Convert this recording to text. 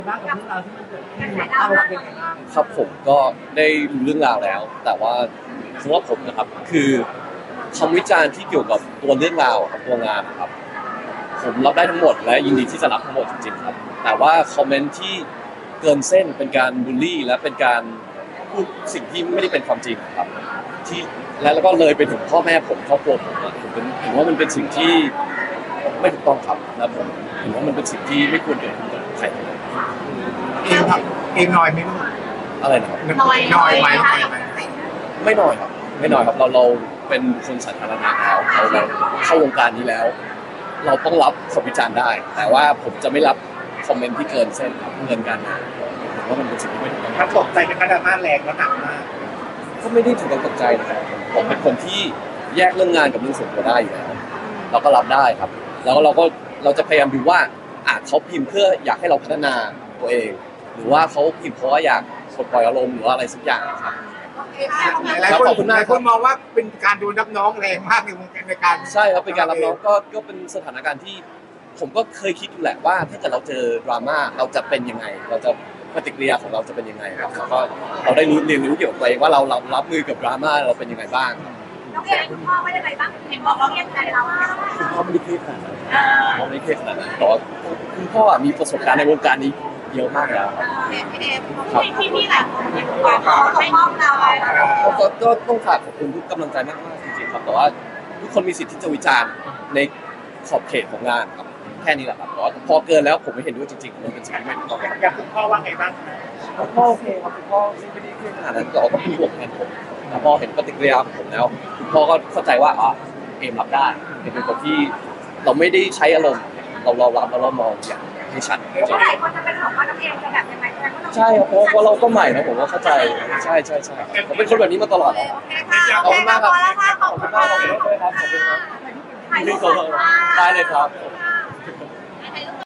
บ้างกับเรื่องราวที่มันเกิดขึ้นเราเป็นยังไงบ้างครับผมก็ได้รู้เรื่องราวแล้ว แต่ว่าสำหรับผมนะครับคือคำวิจารณ์ที่เกี่ยวกับตัวเรื่องราวครับตัวงานนะครับผมรับได้ทั้งหมดและยินดีที่จะรับทั้งหมดจริงๆครับแต่ว่าคอมเมนต์ที่เกินเส้นเป็นการบูลลี่และเป็นการพูดสิ่งที่ไม่ได้เป็นความจริงครับที่แล้วก็เลยไปถึงพ่อแม่ผมครอบครัวผมอะผมว่ามันเป็นสิ่งที่ไม่ถูกต้องครับและผมเห็นว่ามันเป็นสิ่งที่ไม่ควรเกิดขึ้นกับใครเลยเองครับเองน้อยไหมลูกอะไรนะครับน้อยไหมไม่น้อยครับไม่น้อยครับเราเป็นคนสาธารณะแล้วเราเข้าวงการนี้แล้ว เราต้องรับคำวิจารณ์ได้ แต่ว่าผมจะไม่รับคอมเมนต์ที่เกินเส้นครับเกินการงานผมว่ามันเป็นสิ่งที่ไม่ถูกต้องมันตกใจเป็นกระดาษมาแรงแล้วหนักมากก็ไม่ได้ถึงกับตกใจนะครับผมเป็นคนที่แยกเรื่องงานกับเรื่องส่วนตัวได้อยู่แล้วเราก็รับได้ครับแล้วเราจะพยายามดูว่าเขาพิมพ์เพื่ออยากให้เราพัฒนาตัวเอง หรือว่าเขาพิมพ์เพราะว่าอยากปลดปล่อยอารมณ์หรือว่าอะไรสักอย่างครับหลายคนมองว่าเป็นการโดนรับน้องแรงมากในการใช่ครับเป็นการรับน้องก็เป็นสถานการณ์ที่ผมก็เคยคิดอยู่แหละว่าถ้าเกิดเราเจอดราม่าเราจะเป็นยังไงเราจะปฏิกิริยาของเราจะเป็นยังไงครับแล้วก็เราได้เรียนรู้เกี่ยวกับตัวเองว่าเรารับมือกับดราม่าเราเป็นยังไงบ้างน้องเอ๋คุณพ่อว่ายังไงบ้างเห็นบอกเราเรียกใจเราอะคุณพ่อไม่ได้เครียดขนาดนั้นพ่อไม่ได้เครียดขนาดนั้นแต่ว่าคุณพ่อมีประสบการณ์ในวงการนี้เยอะมากแล้วครับพี่หลายคนบอกเขาไม่มอบเราก็ต้องฝากขอบคุณทุกกำลังใจมากๆจริงๆครับแต่ว่าทุกคนมีสิทธิ์ที่จะวิจารณ์ในขอบเขตของงานครับแค่นี้แหละครับแต่ว่าพอเกินแล้วผมไม่เห็นด้วยจริงๆมันเป็นสิ่งที่ไม่ถูกต้องครับอยากคุณพ่อว่าไงบ้างคะคุณพ่อโอเคครับคุณพ่อไม่ได้เครียดขนาดนั้นแต่ว่าก็เป็นห่วงแทนผมแต่พอเห็นปฏิกิริยาของผมแล้วคุณพ่อก็เข้าใจว่าเอมรับได้เป็นคนที่เราไม่ได้ใช้อารมณ์เรารับแล้วเรามองอย่างให้ชัดจริงหลายคนจะเป็นของว่าน้องเอ๋จะแบบยังไงใช่ครับเพราะเราก็ใหม่นะผมว่าเข้าใจใช่ผมเป็นคนแบบนี้มาตลอดนะโอเคค่ะโอเคค่ะพอแล้วค่ะขอบคุณขอบคุณมากขอบคุณด้วยครับขอบคุณครับได้เลยครับ